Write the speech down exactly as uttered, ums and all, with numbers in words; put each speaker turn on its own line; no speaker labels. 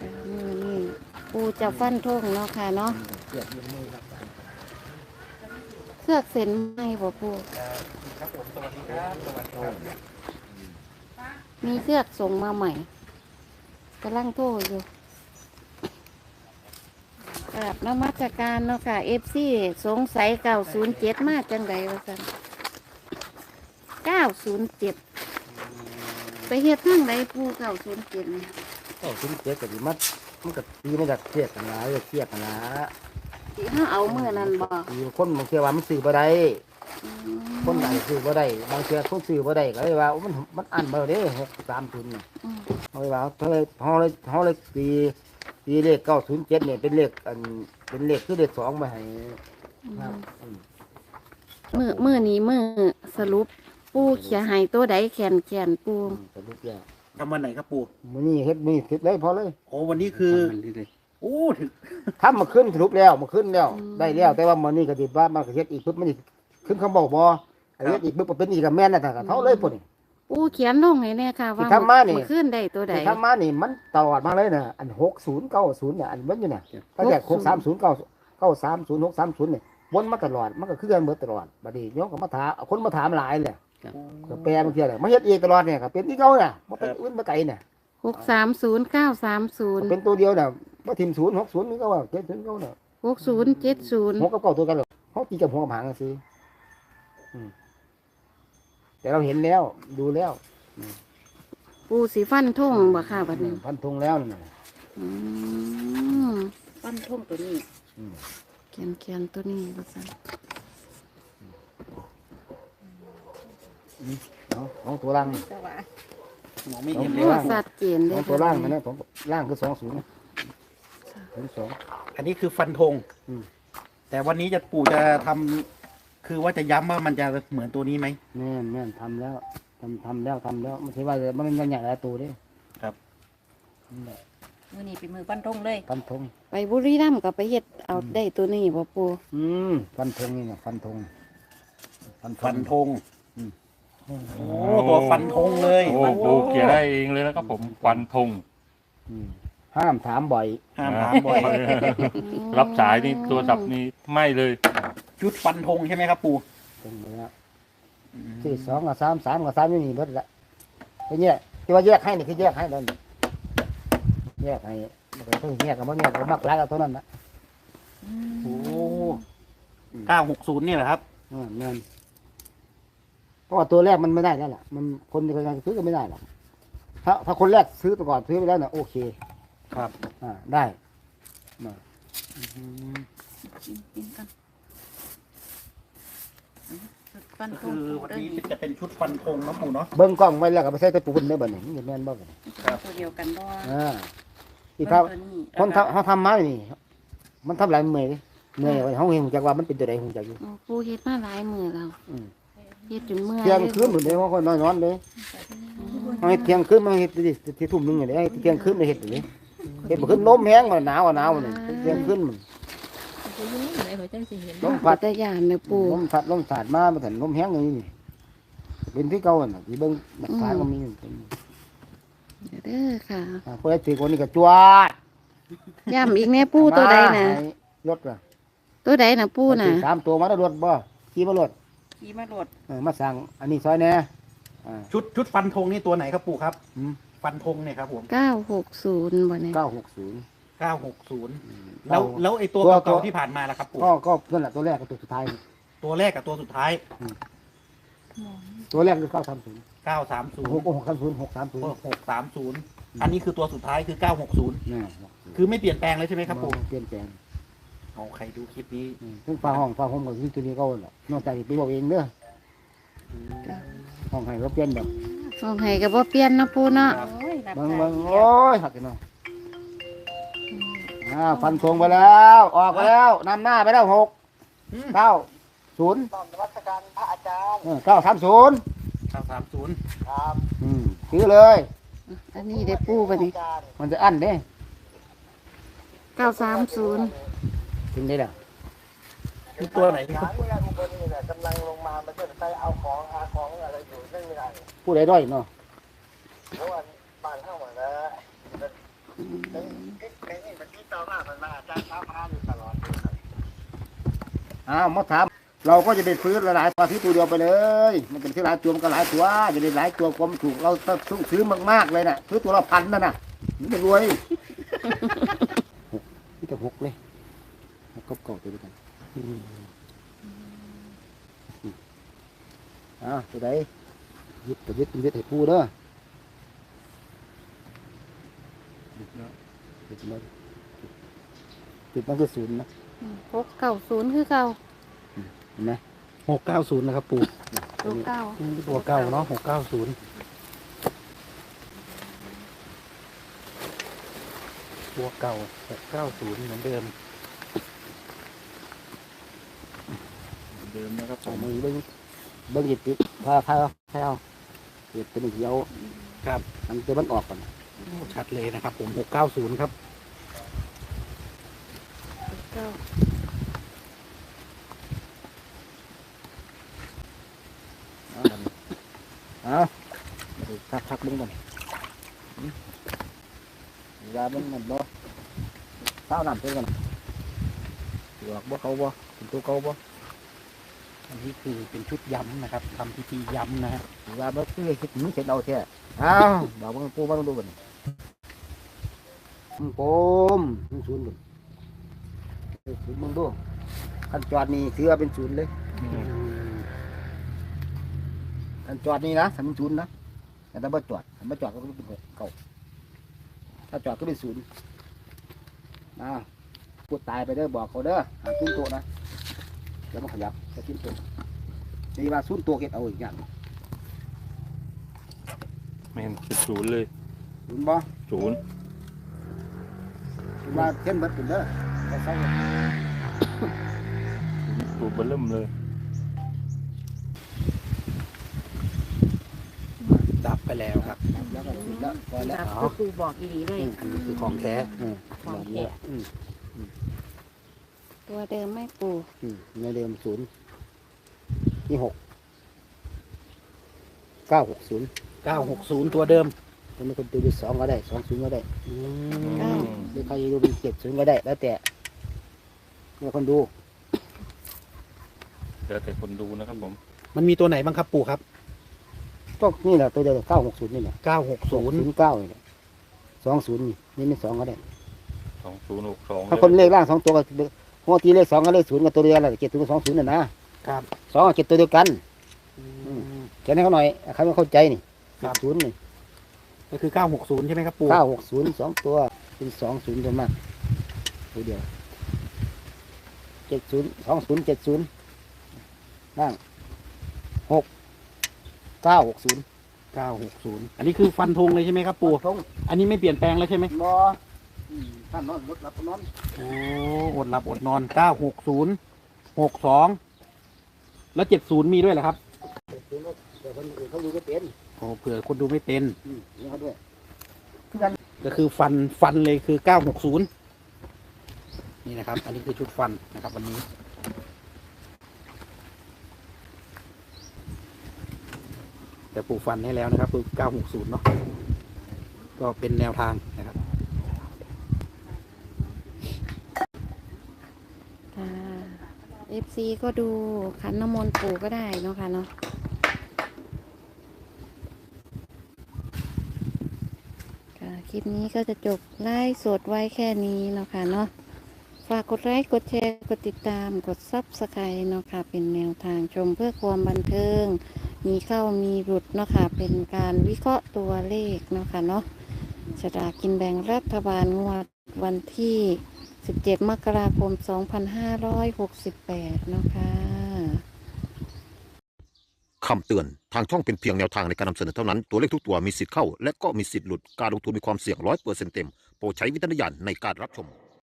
มือนี่ปูจะฟันทงเนาะค่ะเนาะ
เกียบยืมมือครับ
เครือกเส้นไหมบ่ปู
ครับผมสวัสดีครับสวัสดีครับ
มีเครือกส่งมาใหม่กำลังโทรอยู่กราบนมัสการเนาะค่ะเอฟซีสงสัยเก้าศูนย์เจ็ดมาจังไดวะสันเก้าศูนย์เจ็ดไปเฮ็ดทางใดปูเก้าศูนย์เจ็ดเนี่ย
ก็ถึงเกียบกับดิมัดมันก็ตีมาจากเกียบกันนะเกียบกันนะ
ที่เขาเอาเมื่อนั้นบ่
ตีคนบางเทีว่ามันซื้อบ่ได้คนไหนซื้อบ่ได้บางเทีคนซื้อบ่ได้ก็เลยว่ามันมันอันบ่ได้หกสามทุนเนี่ย
อืม
เขาเลยว่าเขาเลยเขาเลยเขาเลยตีตีเลขเก้าศูนย์เจ็ดเนี่ยเป็นเลขอันเป็นเลขคือเลขสองมาให้ครับอืม
มือมือนี้มือสรุปปูเขียให้ตัวใดแขนแขนปู
สรุปแล้ว
ทำวันไหนครับปู่
มื้อนี้เฮ็ดมื้อนี้เสร็จเลยพอเลย
โอ้วันนี้คือโอ้ถึง
ทำมาขึ้นสรุปแล้วมาขึ้นแล้วได้แล้วแต่ว่ามื้อนี้ก็สิว่ามันก็เฮ็ดอีกปึ๊บมันอีกขึ้นคำบอกบ่เฮ็ดอีกปึ๊บก็เป็นอีกกับแม่นน่ะก็เท่าเลยพุ่นนี่
ปูเขียนลงให้แน่ค่ะว่า
ที่ทำมานี่
ขึ้นได้ตัวใด
ที่ทำมานี่มันตลอดมาเลยน่ะอันหกศูนย์เก้าศูนย์เนี่ยอันมันอยู่น่ะตั้งแต่หกสามศูนย์เก้าเก้าสามศูนย์หกสามศูนย์เนี่ยวนมาตลอดมันก็คือกันเบิดตลอดบัดนี้โยมก็มาถามคนมาถามหลายเลยก็แปลบางทีเลยมาเฮ็ดเองตลอดเนี่ยก็เป็นที่เก่าน่ะบ่เป็นอื่นบ่ไกลน่ะ
หกสามศูนย์เก้าสามศูนย์
เป็นตัวเดียวน่ะบ่ทิ่มศูนย์หกศูนย์นี่ก็ว่าเจ็ดศูนย์เก่าน่ะ
หกศูนย์เจ็ดศูนย์
หกกับเก้าตัวกันหรอกเฮาตีกับหัวกับหางกันซื้ออืมแต่เราเห็นแล้วดูแล้ว
ปูสีฟันทงบ่ค่ะบัดนี้
พันธงแล้วนั่นน่ะ
อืมฟันทงตัวนี้
อืม
เขียนเขียนตัวนี้ว่าซั่น
เอาเอาตัวล่าง
มองไม่เห็นเล
โอ้
ยว่า
สัดเจนเด้
เอาตัวล่างนั่นนะผมล่างคือสองศูนย์ศูนย์สอง
อันนี้คือฟันธง
อืม
แต่วันนี้จะปู่จะทำคือว่าจะย้ำว่ามันจะเหมือนตัวนี้ไหม
แม่นแม่นทำแล้วทำทำแล้วทำแล้วไม่ใช่ว่ามันมันใหญ่หลายตัวเด้
ครับ
นั่นแหละ
มือนี้เป็นมือปั้นทงเลย
ฟันธง
ไปบุรีรัมย์ก็ไปเฮ็ดเอาได้ตัวนี้บ่ปู
อืมฟันธงนี่นะฟันธงฟันธ
ฟั
ง
นธงโอ้ตัวฟันธงเลย
โอ้ปูเขียนได้เองเลยนะครับผมฟันธง
อืมห้ามถามบ่อย
ห้ามถามบ่อย
รับสายนี่ตัวสับนี่ไม่เลย
ชุดฟันธงใช่ไหมครับปู่
ตรงนี้ละที่สองกับสามสามกับสามนี่นี่เบิดละไอ้เนี่ยที่ว่าแยกให้นี่คือแยกให้แล้วนี่แยกให้มันก็ต้องแยกกับมันแยกกับมักหลายกับตัวนั้นนะ
โอ้เก้าหกศูนย์นี่แหละครับ
อืมแม่นเพราะว่าตัวแรกมันไม่ได้แล้วล่ะ มันคนที่กำลังซื้อก็ไม่ได้หรอกถ้าถ้าคนแรกซื้อไปก่อนซื้อไปแล้วเนี่ยโอเค
ครับ
อ่าได้มา
ปั้นท
คื
ง
อ
ปู
วัน
เด้อ
นี้
นี่
จะเป็นชุดฟันธงนะปู่เนาะ
เบิ้งกล้องไว้แล้วก็ไปใส่ตะปูนได้บ่เนี่ยมันจะแม่นบ่กัน
ตัวเดียวกันบ่
อ่าที่เขา
ตัวนี้
คนทำเขาทำมานี่ มันทำหลายเมื่อยเมื่อยไว้เขาเห็นจากว่ามันเป็นตัวใดหูจักอยู่
โอ้ปูเฮ็ดมาหลายมื้อแล้ว
อืม
เฮ็ดจนเมื่อย
เที่ยงคืนหมดเลยว่าคนนอนนอนเลยเอาให้เที่ยงคืนมาเฮ็ดดิที่ทุ่มหนึงนี่ให้เที่ยงคืนมาเฮ็ดดิเฮ็ดบ่ขึ้นลมแห้งมันหนาวอ่ะหนาวนี่เที่ยงคืนมัน
ไหนหัวจังสิเห็น
ลม
ปั
พั
ต
ด
ยานเนี่ยปู
ลมพัดลมสาดมาบ่ทันลมแห้งอย่างนี้นี่เป็นที่เก่าน่ะสิเบิ่งหลักฐานก็มีอยู่
เด้อค่ะ
อ่าเพิ่นถือคนนี้ก็จวด
ย้ำอีกแน่ปูตัวใดน่ะ
ให้รถล่ะ
ตัวใดน่ะปูน่ะ
สามตัวมาได้รถบ่ขี่มารถ
ขี่มาโดด
เออมาสั่งอันนี้ซอยแหน่อ่า
ชุดชุดฟันธงนี่ตัวไหนครับปู่ครับ
อืม
ฟันธงเนี่ยครับผม
เก้าหกศูนย์บ่เนี่ย
เก้าหกศูนย์
เก้าหกศูนย์แล้วแล้วไอ้ตัว
ตัว
เก่าๆที่ผ่านมาล่ะครับปู่
ก็ก็นั่นแหละตัวแรกกับตัวสุดท้าย
ตัวแรกกับตัวสุดท้าย
ตัวแรกคือเก้าสามศูนย์
เก้าสามศูน
ห
ย์
กหกสามศูนย์หกสามศูนย์
หกสามศูนย์อันนี้คือตัวสุดท้ายคือเก้าหกศูนย์
นี่
คือไม่เปลี่ยนแปลงเลยใช่ไหมครับปู่
เปลี่ยนแปลง
เอาใครดูคลิปนี้
อืมซึ่งฟ้าห้องฟ้าห้องก็คือตัวนี้ก็แหละนอกจากไปบอกเองเด้อห้องให้เขาเปลี่ยนแบบ
ส่งให้ก็บ่เปลี่ยนเนาะปูเนาะ
โอ้ยรับ
บาง
สาย
บางโอ้ยหักกันเนาะอ่าฟันธงไปแล้วออกไปแล้วนำหน้าไปแล้วหกเก้าศูนย์เก้าสามศูนย์
เก้าสามศูนย์
อืมซื้อเลย
อันนี้ได้ปูบ่นี่
มันจะอั้นเด้
เก้าสามศูนย์
ถึงได้แล้ว
คือตัวไหน
ผู้ใดด้อยเนาะอ้าวมาถามเราก็จะไปซื้อหลายๆตัวที่ตัวเดียวไปเลยมันเป็นที่หลายตัวมันก็หลายตัวจะได้หลายตัวความถูกเราต้องซื้อมากๆเลยน่ะซื้อตัวละพันนั่นน่ะมันจะรวยนี่จะหกเลยหกกับเก่าตัวเดียวกันอ้าวตัวใดยึดตัวยึดเป็นยึดให้ปูเด้อยึดแล้วยึดมันคือศูนย์นะ
หกเก้าศูนย์คือเก้า
เห็นไหม
หกเก้าศูนย์นะครับปู่
ตัวเก้า
ตัวเก้าเนาะหกเก้าศูนย์ตัวเก่าหกเก้าศูนย์เหมือนเดิม
เดิมนะครับผ
เอา
ม
มือเบิ้งเบิ้งหยิบติดพาพาพาเอาเก็บเป็นเดียว
ครับ
ทำตัวมันออกก่อน
ชัดเลยนะครับผมหกเก้าศูนย์ครับ
เก้า
เอาทักทักเบิ้งก่อนยาเบิ้งมันบ่เท้าน้ำเพิ่งก่อนหลอกบ่เขาบ่เป็นตัวเขาบ่
อันนี้คือเป็นชุดย้ำนะครับทำพิธีย้ำนะฮะ
ยาเบิ้งคือคิดมึงเสร็จเอาแท้เอาบอกว่ากูมาดูก่อนมึงโปมมึงศูนย์ก่อนศูนย์มึงดูขั้นจอดนี่ถือว่าเป็นศูนย์เลยขั้นจอดนี่นะสามศูนย์นะแต่ถ้าไม่จอดถ้าไม่จอดก็เป็นหกเก้าถ้าจอดก็เป็นศูนย์นะพูดตายไปเด้อบอกเขาเด้อหาศูนย์โตนะแล้วมันขยับจะศูนย์โตนี่ว่าศูนย์โตเก็บเอาอีกอย่าง
แม่นเป็นศูนย์เลย
ศูนย์บ่
ศูนย์
ศูนย์ว่าเท่นเบิดเป็นเด้อแต่ใส่
ศูนย์เบอร์เริ่มเลย
ดับไปแล้วครับ
แล้วก็ศูนย์แล้วพอแล้ว
ครับก็คือบอกอีหลีเลย
อืมคือของแท้อืม
ของแท้
อืม
ตัวเดิมไม่ปู
อืมในเดิมศูนย์นี่หกเก้าหกศูนย์
เก้าหกศูนย์ตัวเดิม
จะมีคนดูเป็นสองก็ได้สองศูนย์ก็ได้
อื
เก้าม
หรือใครดูเป็นเจ็ดศูนย์ก็ได้ แล้วแต่เนี่ยคนดู
เดี๋ยวแต่คนดูนะครับผม
มันมีตัวไหนบ้างครับปู่ครับ
ก็นี่แหละตัวเดียวเก้าหกศูนย์นี่แหละ
เก้าหกศูนย์
เก้านี่แหละสองศูนย์นี่นี่เป็นสองก็ได้
สองศูนย์หกสอง
ถ้าคนเลขล่างสองตัวก็หัวตีเลขสองกับเลขศูนย์กับตัวเดียวแหละเจ็ดศูนย์กับสองศูนย์น่ะนะครับ สองกับเจ็ดตัวเดียวกัน
อืม
แค่นี้เขาหน่อยใครไม่เข้าใจนี่
ครับ
ศูนย์นี่
ก็คือเก้าหกศูนย์ใช่ไหมครับปู่
เก้าหกศูนย์สองตัวเป็นสองศูนย์ตัวมากตัวเดียวเจ็ดศูนย์สองศูนย์เจ็ดศูนย์นั่งหกเก้าหกศูนย์
เก้าหกศูนย์อันนี้คือฟันธงเลยใช่ไหมครับปู่
ทง
อันนี้ไม่เปลี่ยนแปลงแล้วใช่ไหม
บอท่านนอนรถรับนอน
โอ้อดหลับอดนอนเก้าหกศูนย์หกสองแล้วเจ็ดศูนย์มีด้วยเหรอครับ
เดี๋ยวคนอื่นเขาดูไม่เป็น
โอ้เผื่อคนดูไม่เป็น
อืมนี่เขาด้วย
ก็คือฟันฟันเลยคือเก้าหกศูนย์นี่นะครับ อันนี้คือชุดฟันนะครับ วันนี้ แต่ปลูกฟันให้แล้วนะครับคือเก้าหกศูนย์เนาะก็เป็นแนวทางนะครับ
ค่ะเอฟซีก็ดูขันน้ำมนต์ปูก็ได้เนาะค่ะเนาะค่ะคลิปนี้ก็จะจบไลฟ์สดไว้แค่นี้เนาะค่ะเนาะฝากกดไลค์กดแชร์กดติดตามกดซับสไครต์เนาะค่ะเป็นแนวทางชมเพื่อความบันเทิง มีเข้ามีหลุดเนาะค่ะเป็นการวิเคราะห์ตัวเลขเนาะค่ะเนาะสลากกินแบ่งรัฐบาลงวดวันที่ สิบเจ็ด มกราคม สองพันห้าร้อยหกสิบแปด เนาะค่ะ
คำเตือน ทางช่องเป็นเพียงแนวทางในการนำเสนอเท่านั้น ตัวเลขทุกตัวมีสิทธิ์เข้า และก็มีสิทธิ์หลุด การลงทุนมีความเสี่ยงร้อยเปอร์เซ็นต์เต็ม โปรดใช้วิจารณญาณในการรับชม